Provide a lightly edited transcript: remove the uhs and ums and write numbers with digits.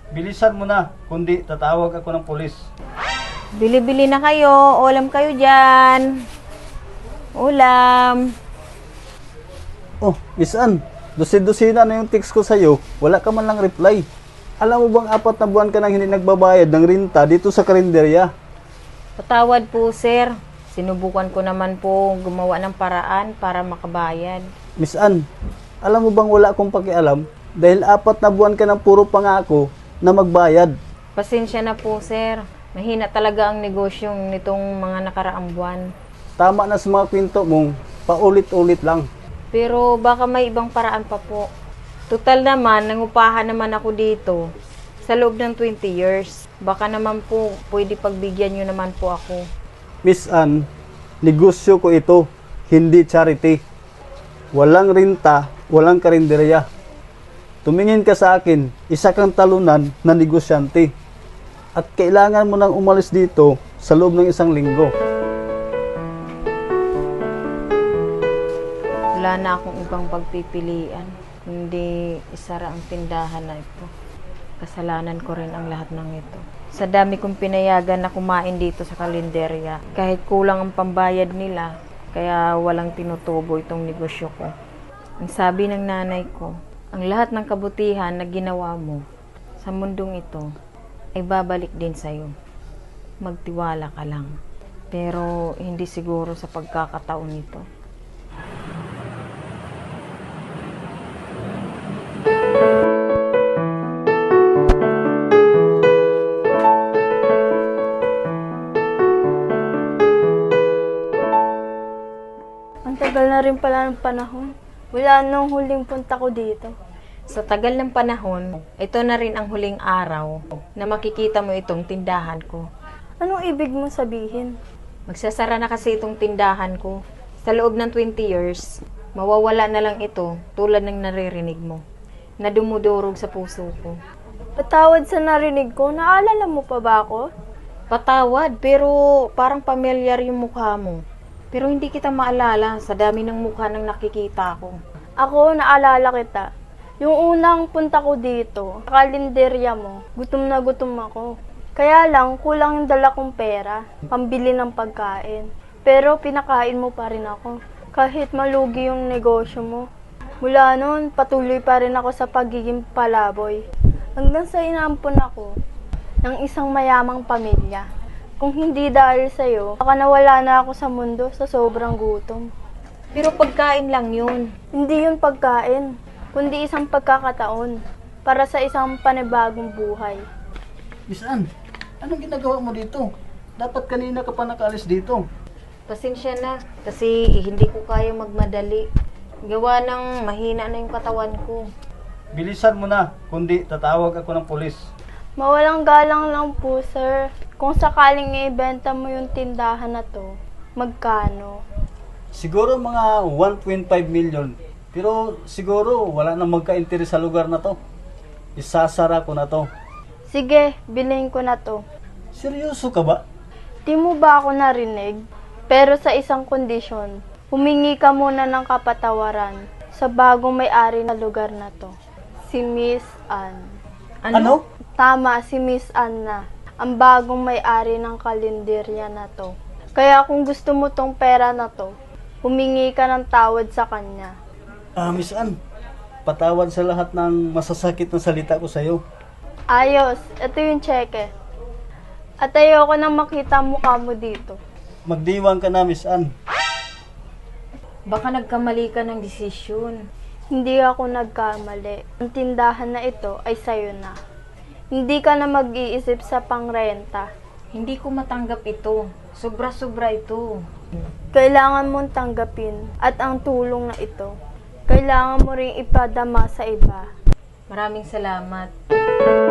Bilisan mo na, kundi tatawag ako ng pulis. Bili-bili na kayo. Ulam kayo dyan. Ulam. Oh, Miss Ann, dosina na yung text ko sa'yo. Wala ka man lang reply. Alam mo bang 4 na buwan ka nang hindi nagbabayad ng renta dito sa karinderya? Patawad po, sir. Sinubukan ko naman po gumawa ng paraan para makabayad. Miss Ann, alam mo bang wala akong pakialam? Dahil 4 na buwan ka ng puro pangako na magbayad. Pasensya na po, sir. Mahina talaga ang negosyong nitong mga nakaraang buwan. Tama na sa mga kwento mong paulit-ulit lang. Pero baka may ibang paraan pa po. Total naman, nangupahan naman ako dito sa loob ng 20 years. Baka naman po, pwede pagbigyan nyo naman po ako. Miss Ann, negosyo ko ito, hindi charity. Walang renta, walang karinderya. Tumingin ka sa akin, isa kang talunan na negosyante. At kailangan mo nang umalis dito sa loob ng 1 linggo. Wala na akong ibang pagpipilian, kundi isara ang tindahan na ito. Kasalanan ko rin ang lahat ng ito. Sa dami kong pinayagan na kumain dito sa kalenderya, kahit kulang ang pambayad nila, kaya walang tinutubo itong negosyo ko. Ang sabi ng nanay ko, ang lahat ng kabutihan na ginawa mo sa mundong ito ay babalik din sa'yo. Magtiwala ka lang. Pero hindi siguro sa pagkakataon nito. Ang tagal na rin pala ng panahon. Wala nung huling punta ko dito. Sa tagal ng panahon, ito na rin ang huling araw na makikita mo itong tindahan ko. Anong ibig mong sabihin? Magsasara na kasi itong tindahan ko. Sa loob ng 20 years, mawawala na lang ito tulad ng naririnig mo, na dumudurog sa puso ko. Patawad sa narinig ko, naalala mo pa ba ako? Patawad, pero parang pamilyar yung mukha mo. Pero hindi kita maalala sa dami ng mukha ng nakikita ko. Ako, naalala kita. Yung unang punta ko dito, sa kalenderya mo, gutom na gutom ako. Kaya lang, kulang yung dala kong pera, pambili ng pagkain. Pero pinakain mo pa rin ako, kahit malugi yung negosyo mo. Mula noon, patuloy pa rin ako sa pagiging palaboy. Hanggang sa inaampon ako ng isang mayamang pamilya. Kung hindi dahil sa'yo, baka nawala na ako sa mundo sa sobrang gutom. Pero pagkain lang yun. Hindi yun pagkain, kundi isang pagkakataon para sa isang panibagong buhay. Miss Ann, anong ginagawa mo dito? Dapat kanina ka pa nakaalis dito. Pasensya na, kasi hindi ko kaya magmadali. Gawa ng mahina na yung katawan ko. Bilisan mo na, kundi tatawag ako ng pulis. Mawalang galang lang po, sir. Kung sakaling i-ibenta mo yung tindahan na to, magkano? Siguro mga 1.5 million. Pero siguro wala nang magka-interes sa lugar na to. Isasara ko na to. Sige, bilhin ko na to. Seryoso ka ba? Di mo ba ako narinig? Pero sa isang kondisyon, humingi ka muna ng kapatawaran sa bagong may-ari na lugar na to. Si Miss Ann. Ano? Tama, si Miss Ann na. Ang bagong may-ari ng kalenderya na to. Kaya kung gusto mo tong pera na to, humingi ka ng tawad sa kanya. Miss Ann, patawad sa lahat ng masasakit na salita ko sa'yo. Ayos, ito yung cheque. At ayoko nang makita ang mukha mo dito. Magdiwang ka na, Miss Ann. Baka nagkamali ka ng desisyon. Hindi ako nagkamali. Ang tindahan na ito ay sayo na. Hindi ka na mag-iisip sa pangrenta. Hindi ko matanggap ito. Sobra-sobra ito. Kailangan mong tanggapin at ang tulong na ito, kailangan mo ring ipadama sa iba. Maraming salamat.